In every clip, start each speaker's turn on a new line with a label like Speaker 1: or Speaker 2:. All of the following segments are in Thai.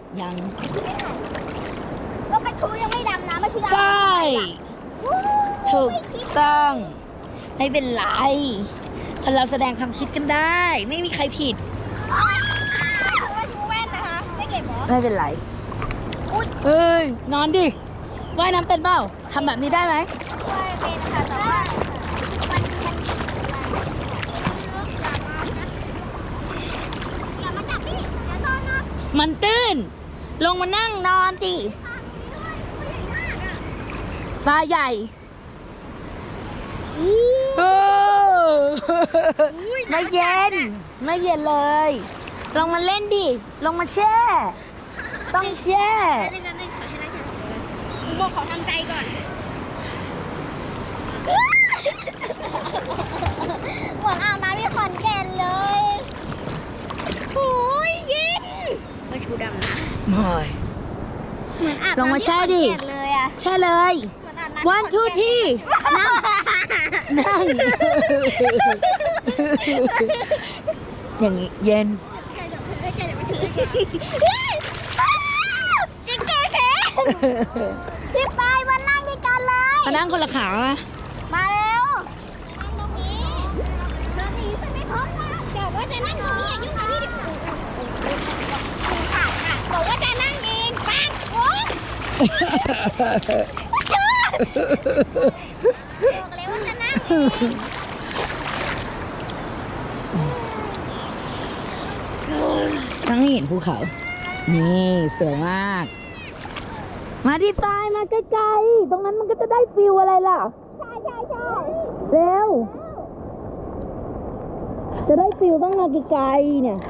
Speaker 1: ยัง
Speaker 2: ก็ปลาทูยังไม่ดำนะปลาทู
Speaker 1: ใช่ถูกต้องไม่เป็นไรคนเราแสดงความคิดกันได้ ไม่มีใครผิด
Speaker 2: ปลาทูแว่นนะคะไม่เก็บหรอ
Speaker 1: ไม่เป็นไรเฮ้ยนอนดิว่ายน้ำเป็นเปล่าทำแบบนี้ได้ไหม
Speaker 2: ช่วยเป็นค่ะแต่ว่าอย่ามาจับพี่อย่าโดนนะ
Speaker 1: มันตื้นลงมานั่งนอนดิปลาใหญ่โอ้ไม่เย็นไม่เย็นเลยลงมาเล่นดิลงมาแช่ต้องแช่
Speaker 2: นั่นขอให้นั่งคุณโมขอทำใจก่อนเหมือนอาบน้ำที่ขอนแก่นเลยโอ้ยเย็นมาชูดำนะ
Speaker 1: ไม่
Speaker 2: เหมือนอาบ
Speaker 1: ลงมา
Speaker 2: น้ำที่
Speaker 1: แช่
Speaker 2: ขอน
Speaker 1: ดิ
Speaker 2: แก่นเลยอะ
Speaker 1: แช่เลย
Speaker 2: เหมือนอาบน้ำ
Speaker 1: วันทูที่นั่งนั่งอย่างนี้เย็น
Speaker 2: จิ๊กเก๋พี่ปายมานั่งด้วยกันเลย
Speaker 1: มานั่งคนละขาอะ
Speaker 2: มาเร็วนั่งตรงนี้เธอหนีฉันไม่พ้นนะบอกว่าจะนั่งตรงนี้อย่ายุ่งกับพี่ดิขาดค่ะบอกว่าจะนั่งเองปังโอ๊ยบอกเลยว่าจะนั่งเอง
Speaker 1: ทั้งให้เห็นภูเขา นี่สวยมาก มาที่ปลายมาใกล้ๆ ตรงนั้นมันก็จะได้ฟิลอะไรล่ะ
Speaker 2: ใช่
Speaker 1: เร็ว จะได้ฟิลต้องมาไกลๆเนี่ย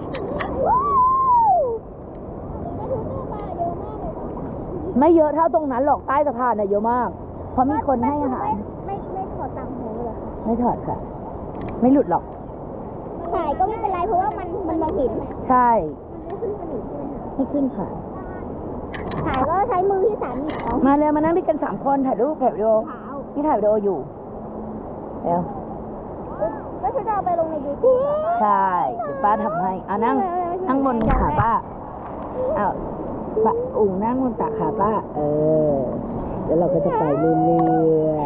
Speaker 1: ไม่เยอะเท่าตรงนั้นหรอกใต้สะพานน่ะเยอะมาก เพราะมีคนให้อาหาร
Speaker 2: ไม่ถอดตังค์หูเลยค่ะ
Speaker 1: ไม่ถอดค่ะ ไม่หลุดหรอก
Speaker 2: ถ่ายก็ไม่เป็นไรเพราะว่ามันมองเห็น
Speaker 1: ใช่
Speaker 2: มันขึ้นสนิทใช่ไหมคะ
Speaker 1: ไม่ขึ้นค่ะ
Speaker 2: ถ่ายก็ใช้มือที่สามหยิบเอา
Speaker 1: มาเร็วมานั่งด้วยกัน3 คนถ่ายรูปถ่ายวิดีโอ
Speaker 2: ขาว
Speaker 1: นี่ถ่ายวิดีโออยู่แล้ว
Speaker 2: แล้วฉันจะเอาไปลงในยูทูบ
Speaker 1: ใช่ เดี๋ยวป้าทำให้อ่ะนั่งบนขาป้าอ้าวป้าอุ่งนั่งบนตักขาป้า แล้วเราก็จะไปเรื่อย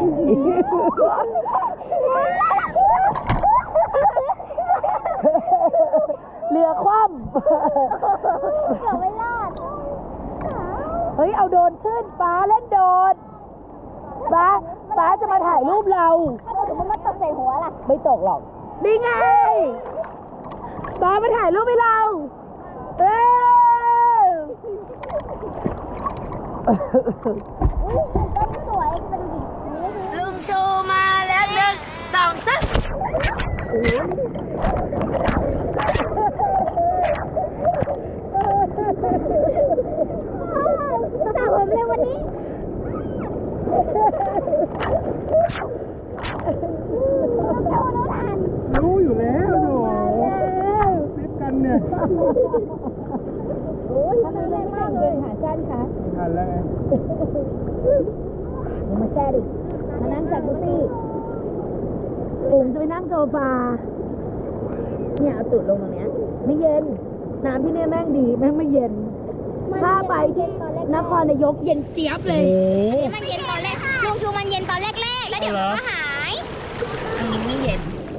Speaker 1: ๆเรือคว่ำ
Speaker 2: เกือบไม่รอด
Speaker 1: เฮ้ย เอาโดรนขึ้นป้าเล่นโดรนป้าจะมาถ่ายรูปเรา
Speaker 2: ถ้าเกิดมันมาตกใส่หัวล่ะ
Speaker 1: ไม่ตกหรอกนี่ไงป้ามาถ่ายรูปให้เราเอ้ย
Speaker 2: ต้นสวยเป็นดิบ
Speaker 1: ลุงโชว์มาแล้ว1 2 3
Speaker 2: สาวผมเลยวันนี้
Speaker 3: รู้อยู่แล้วโหฟิตกันเนี่ย
Speaker 2: โอ้ยทำไมแรงมากเลยหาสั้นคะ
Speaker 3: ไม่ทันแล้วไง
Speaker 1: ลงมาแช่ดิ มานั่งจากดูสิปุ่มจะไปนั่งโซฟาเนี่ยเอาตูดลงตรงเนี้ย ไม่เย็น น้ำที่เนี่ยแม่งดีแม่งไม่เย็น ถ้าไปที่นครนายกเย็นเจี๊ยบเลย
Speaker 3: โอ้
Speaker 2: มันเย็นตอนแรกลุงชูมันเย็นตอนแรกๆแล้วเดี๋ยวมันก็หาย
Speaker 1: อันนี้ไม่เย็น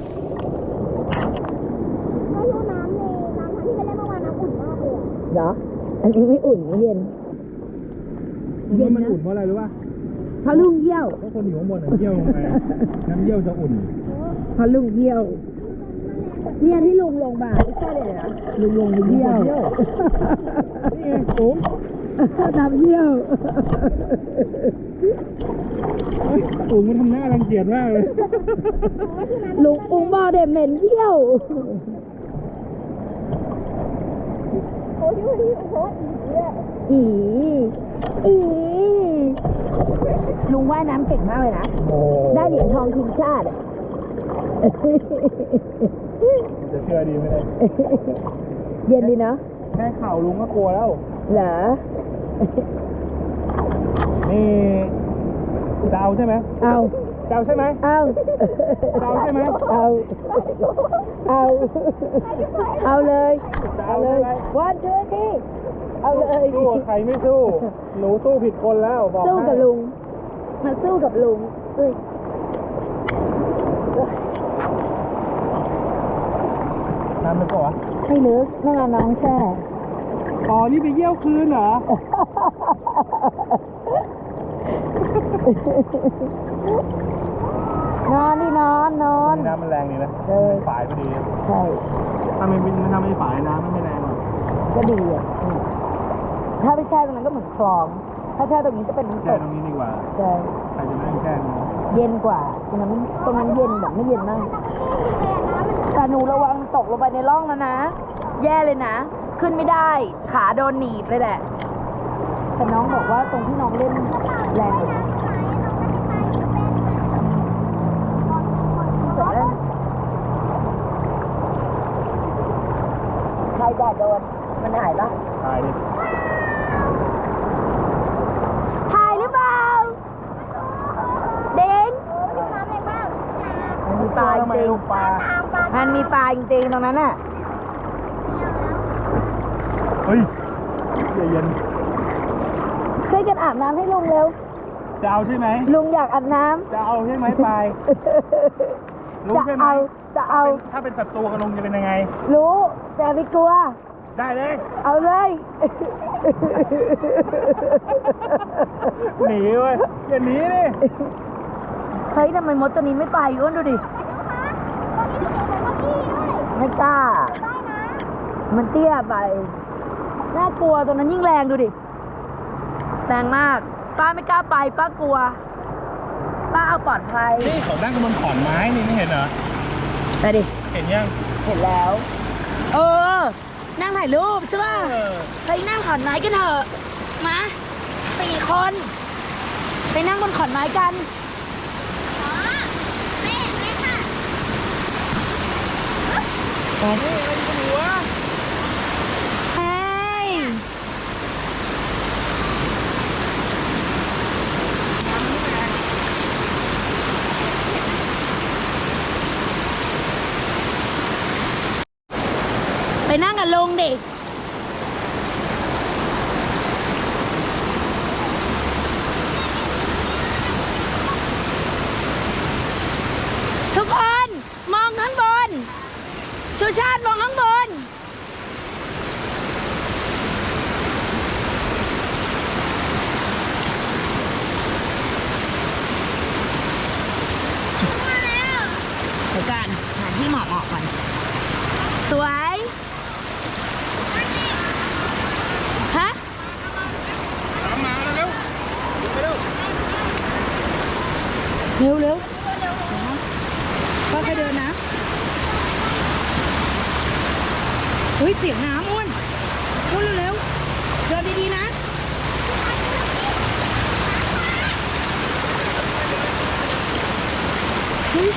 Speaker 2: ไม่รู้น้ำที่ไปเล่นเมื่อวานน้ำอุ่นมากเลย
Speaker 1: เหรอ อันนี้ไม่อุ่นไม่เย็น
Speaker 3: เย็นมันอุ่นเพราะอะไรรู้ป่ะ
Speaker 1: เพราะลุงเยี่ยว
Speaker 3: เพราะคนอยู่ข้างบนเยี่ยวลงไปน้ำเยี่ยวจะอุ่น
Speaker 1: เพราะลุงเยี่ยว เนี่ยที่ลุงลงมาไม่ใช่เลยนะลุงลงไปเยี่ยว
Speaker 3: นี่ไงสูง
Speaker 1: น้ำเยี่ยว
Speaker 3: สูงมันทำหน้ารังเกียจมากเลย
Speaker 1: ลุงอุงบอกเด็เหม็นเยี่ยว
Speaker 2: โอ้ยโอ้ยอี
Speaker 1: อีลุงว่ายน้ำเก่งมากเลยนะ
Speaker 3: โอ้
Speaker 1: ได้เหรียญทองทีมชาติ
Speaker 3: จะเชื่อดีไม่ได้
Speaker 1: เย็นดีเนาะ
Speaker 3: แค่เข่าลุงก็กลัวแล้ว
Speaker 1: เหรอ
Speaker 3: นี่ดาวใช่ไหม
Speaker 1: เอา
Speaker 3: เจ้าใช่ไหม
Speaker 1: เอา
Speaker 3: เจ้าใช่ไหม
Speaker 1: เอาเลยวันเจอที่เอาเลย
Speaker 3: สู้ใครไม่สู้ หนูสู้ผิดคนแล้วบอก
Speaker 1: สู้กับลุงมาสู้กับลุง
Speaker 3: น้ำมันก่อ
Speaker 1: ไม่ลึกนั่งน้องแช่
Speaker 3: อ๋อนี่ไปเยี่ยวคืนเหรอ
Speaker 1: นอนดินอน
Speaker 3: น้ำมันแรงดีนะฝายพอดี
Speaker 1: ใช่
Speaker 3: ถ้าไม่ฝายน้ำมันไม่แรงหรอก
Speaker 1: ก็ดีอ่ะถ้าไปแช่ตรงนั้นก็เหมือนคลอง ถ้าแช่ตรงนี้จะเป็นน้ำต
Speaker 3: แช่
Speaker 1: ก
Speaker 3: ตรงนี้ดีกว่า
Speaker 1: ใช่
Speaker 3: ใครจะนั่งแช่ตรงนี้
Speaker 1: เย็นกว่าตรงนั้นเย็นแบบไม่เย็นมากแต่หนูระวังตกลงไปในร่องแล้วนะแย่เลยนะขึ้นไม่ได้ขาโดนหนีบเลยแหละแต่น้องบอกว่าตรงที่น้องเล่นแรงเลยใครแดดโดนมันหายปะ
Speaker 3: ถ่ายดิ
Speaker 1: ถ่ายหรือเปล่าเด้งมันมีปลาจริง
Speaker 3: ปลา
Speaker 1: มันมีปลาจริงๆตรงนั้นน่ะ
Speaker 3: เฮ้ยเย็น
Speaker 1: ช่วยกันอาบน้ำให้ลุงเร็ว
Speaker 3: จะเอาใช่ไหม
Speaker 1: ลุงอยากอาบน้ำ
Speaker 3: จะเอาใช่ไหมปลายรู้
Speaker 1: จะ
Speaker 3: ใช่ไหม
Speaker 1: เอา
Speaker 3: ถ้าเป็นศัตรูกับลุงจะเป็นยังไง
Speaker 1: รู้แต่ไม่กลัว
Speaker 3: ได้เลย
Speaker 1: เอาเลย
Speaker 3: หนีเว้ยอย่าหนีดิ
Speaker 1: เฮ้ยทำไมมดตัวนี้ไม่ไปอ้วนดูดิ ไม่กล้า มันเตี้ยไป น่ากลัวตัวนั้นยิ่งแรงดูดิ แรงมาก ป้าไม่กล้าไป ป้ากลัว ป้าเอาปลอดภัย
Speaker 3: นี่เขานั่งบนขอนไม้นี่ไม่เห็นเหรอ
Speaker 1: ไปดิ
Speaker 3: เห็นยัง
Speaker 1: เห็นแล้ว เออ นั่งถ่ายรูปใช่ป่ะ ไปนั่งขอนไม้กันเถอะ มา4 คน ไปนั่งบนขอนไม้กัน ไปเฮ้ยไปนั่งกับลุงดิ ทุกคนมองข้างบน ชูชาติมองข้างบน เดี๋ยวกันหาที่เหมาะก่อน สวย ฮะ
Speaker 3: ตามมาเร็ว
Speaker 1: เร็วค่อยๆเดินนะเฮ้ยเสียงน้ำอ้วนเร็วเดินดีๆนะเฮ้ย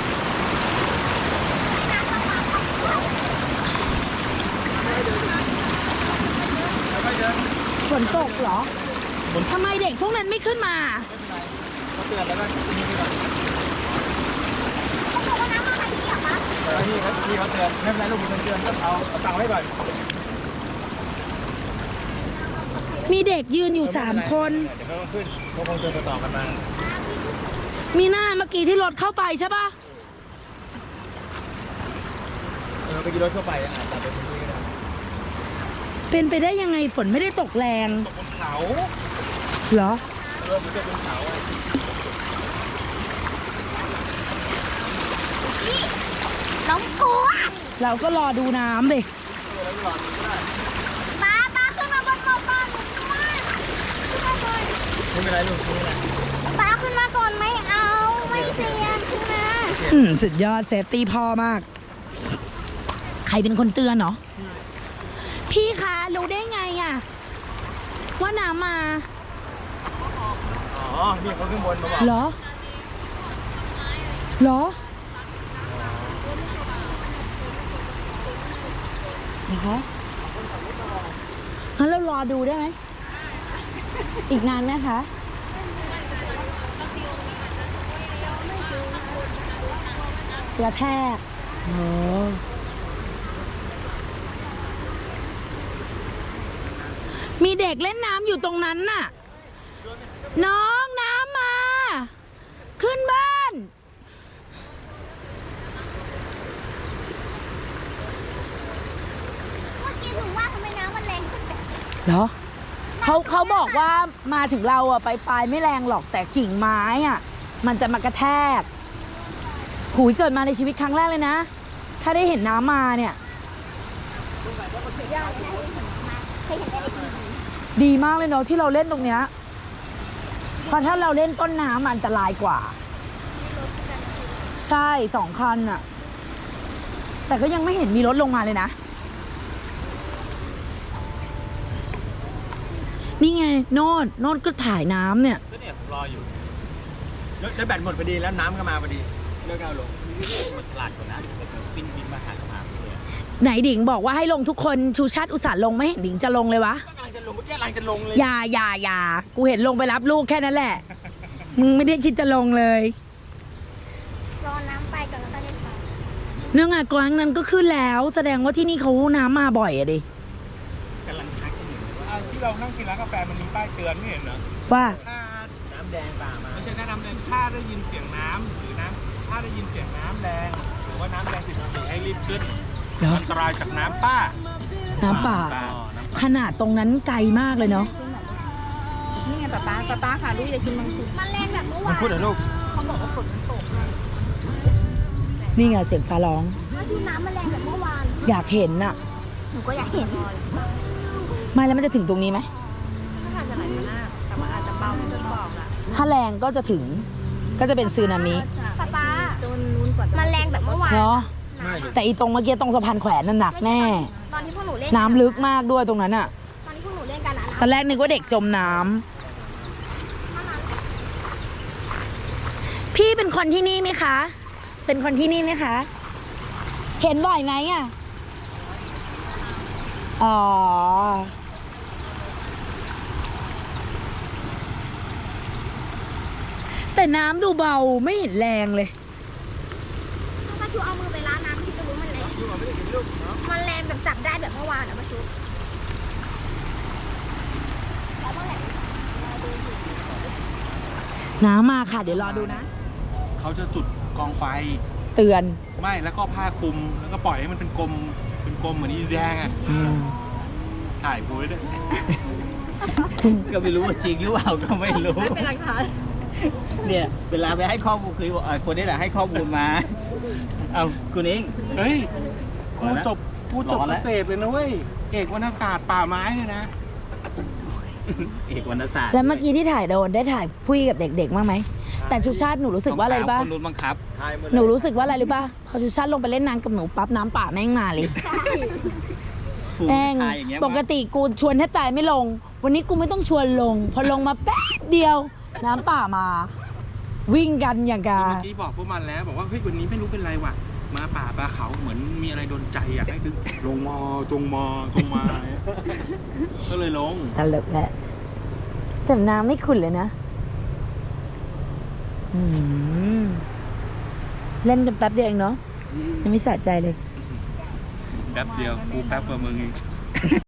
Speaker 1: ฝนตกเหรอทำไมเด็กพวกนั้นไม่ขึ้นมา
Speaker 3: เขาเตือนแล้วก็นี่ก่อนพี่เขาเตือนไม่เป็นไรลูกมีคนเตือนก็เอาตังค์ไว้ก่อน
Speaker 1: มีเด็กยืนอยู่3 คน
Speaker 3: เดี๋ยวเขาขึ้นเขาคงเตือนต่อกันมา
Speaker 1: มีหน้าเมื่อกี้ที่รถเข้าไปใช่ปะ
Speaker 3: ไปกินรถทั่วไปอาจจะเป็นที่ก็ได้
Speaker 1: เป็นไปได้ยังไงฝนไม่ได้ตกแรง
Speaker 3: ตกบนเขา
Speaker 1: เหรอ
Speaker 3: เริ่มจะบนเขาอ่ะ
Speaker 2: น้องกลัว
Speaker 1: เราก็รอดูน้ำดิ
Speaker 2: ป้าขึ้นมาบนบกก่อนขึ้นมาก่อน
Speaker 3: ไม่เป็นไรลูกไม่เป็นไร
Speaker 2: ป้าขึ้นมาก่อนไม่เอา ไม่เสี่ยงขึ้นมา
Speaker 1: สุดยอดเซฟตี้พ่อมาก ใครเป็นคนเตือนเหรอ พี่คะรู้ได้ไงอะว่าน้ำมา
Speaker 3: อ๋อนี่เขาขึ้นบนมาบอก
Speaker 1: เหรอ เหรอนะคะงั้นเรารอดูได้ไหม อีกนานไหมคะ
Speaker 2: ไ
Speaker 1: กระแทกโอ้มีเด็กเล่นน้ำอยู่ตรงนั้นน่ะ น้องน้ำมา ขึ้นบ้าน
Speaker 2: เมื่อกี้หนูว่าทำไมน้ำมันแรงขึ้นแบบ
Speaker 1: เหรอเขาบอกว่ามาถึงเราอะปลายไม่แรงหรอกแต่กิ่งไม้อะมันจะมากระแทกหูยเกิดมาในชีวิตครั้งแรกเลยนะ ถ้าได้เห็นน้ำมาเนี่ย
Speaker 2: เคยเห็นแต่ในทีวี
Speaker 1: ดีมากเลยเนาะที่เราเล่นตรงเนี้ยเพราะถ้าเราเล่นต้นน้ำมันอันตรายกว่า ใช่2 คันอะแต่ก็ยังไม่เห็นมีรถลงมาเลยนะ นี่ไงโน่นก็ถ่ายน้ำเนี่ย
Speaker 3: ก็เนี่ยผมรออยู่แล้วแบตหมดพอดีแล้วน้ำก็มาพอดีเลิกเอาลงมันฉลาดกว่านั้นบินมาหาสมาธิเลย
Speaker 1: ไหนดิงบอกว่าให้ลงทุกคนชูชาติอุตส่าห์ลงไม่เห็นดิงจะลงเลยวะ
Speaker 3: กำลังจะลงเมื่อกี้กำลังจะลงเลย
Speaker 1: อย่ากูเห็นลงไปรับลูกแค่นั้นแหละ มึงไม่ได้คิดจะลงเลย
Speaker 2: รอน้ำไปก่อนแล้วก็เล่นไป
Speaker 1: เนื่องจากกลางนั้นก็ขึ้นแล้ว แสดงว่าที่นี่เขาน้ำมาบ่อยอะดิ
Speaker 3: กำลังทักกันอยู่ว่าที่เรานั่งกินร้านกาแฟมันมีป้ายเตือนไม่เห็นเหรอ
Speaker 1: ว่า
Speaker 3: ถ้าน้ำแดงป่ามาไม่ใช่น้ำแดงถ้าได้ยินเสียงน้ำหรือน้ำถ้าได้ยินเสียงน้ำแดงหรือว่าน้ำแดงผิดปกติให้รีบขึ้น
Speaker 1: เหรอ
Speaker 3: อันตรายจากน้ำป้า
Speaker 1: น้ำป่า ขนาดตรงนั้นไกลมากเลยเนาะ
Speaker 4: นี่ไงป๊าค่ะลูกอยากกินมังคุด
Speaker 2: มันแรงแบบเมื่อ
Speaker 3: มั
Speaker 2: วาน น
Speaker 3: พูดเหรอลูก
Speaker 4: เขาบอกว่าฝนมันตก
Speaker 1: นี่ไงเสียงฟ้าร้อง
Speaker 2: เมื่อกี้น้ำมันแรงแบบเมื่อวาน
Speaker 1: อยากเห็นน่ะ
Speaker 2: หนูก็อยากเห็น
Speaker 1: ไม่แล้วมันจะถึงตรงนี้ไหม
Speaker 4: ถ้าอาจจะไหลมาหน้าแต่มันอาจจะเบาจนบอกอ่ะ
Speaker 1: ถ้าแรงก็จะถึง ก็จะเป็นซึนามิ
Speaker 2: ป๊า
Speaker 4: จนนู้นกว่าจะ
Speaker 2: มันแรงแบบเมื่อวาน
Speaker 1: เนาะ
Speaker 3: ไม่
Speaker 1: แต่อีตรงเมื่อกี้ตรงสะพานแขวนนั่นหนักแน่
Speaker 2: ตอนที่พวกหนูเล่น
Speaker 1: น้ำลึกมากด้วยตรงนั้นอะ
Speaker 2: ตอนที่พวกหนูเล่นกันอะ
Speaker 1: ตอนแรกนึกว่าเด็กจมน้ำพี่เป็นคนที่นี่ไหมคะ เป็นคนที่นี่ไหมคะ เห็นบ่อยไหมอะอ๋อ แต่น้ำดูเบาไม่เห็นแรงเลย
Speaker 2: ถ้าชูเอามือไปล้างน้ำที่จะรู้มันแรงมันแรงแบบจับได้แบบเมื่อวานอะมาชูแล้วเมื่อไหร่
Speaker 1: น้ำมาค่ะ เดี๋ยวรอดูนะ
Speaker 3: เขาจะจุดกองไฟ
Speaker 1: เตือน
Speaker 3: ไม่แล้วก็ผ้าคลุมแล้วก็ปล่อยให้มันเป็นกลมเหมือนอีแดงอ่ะถ่ายโพสด้วย
Speaker 5: ก็ไม่รู้ว่าจริงหรือเปล่าก็ไม่รู้
Speaker 4: ไม่เป็นหลักฐาน
Speaker 5: เนี่ยเวลาไปให้ข้อมูลคือคนนี้แหละให้ข้อมูลมา เอาคุณเอง
Speaker 3: เฮ้ยกู
Speaker 5: ร้อนแล้ว
Speaker 3: จบ
Speaker 5: ร้อน
Speaker 3: เก
Speaker 5: แล้ว
Speaker 3: ษตรเลยนะเว้ยเอกวรรณศาสตร์ป่าไม้เนี่ยนะ
Speaker 5: เอกวรรณศาสตร์
Speaker 1: แล้วเมื่อกี้ที่ถ่ายโดนได้ถ่ายพุยกับเด็กๆบ้างไหม แต่ชูชาติหนูรู้สึกว่าอะไรรู้ป่ะ
Speaker 5: คนนู้นบังคับ
Speaker 1: หนูรู้สึกว่าอะไรรู้ป่ะ พอชูชาติลงไปเล่นน้ำกับหนูปั๊บน้ำป่าแม่งมาเลย
Speaker 5: ผูก
Speaker 1: แม่ง
Speaker 5: ทายอย่างเงี้ย
Speaker 1: ปกติกูชวนแทบตายไม่ลง วันนี้กูไม่ต้องชวนลง พอลงมาแป๊บเดียว น้ำป่ามา วิ่งกันอย่างกา
Speaker 3: เมื่อกี้บอกพวกมันแล้วบอกว่าเฮ้ยวันนี้ไม่รู้เป็นไรว่ะมาป่าปลาเขาเหมือนมีอะไรโดนใจอยากให้ดึงลงมาจงมา ก็เลยลง
Speaker 1: ตลกแหละแต่น้ำไม่ขุ่นเลยนะ เล่นกันแป๊บเดียวเองเนาะยังไม่สะใจเลย
Speaker 3: แป๊บเดียวกูแป๊บกว่ามึงอีก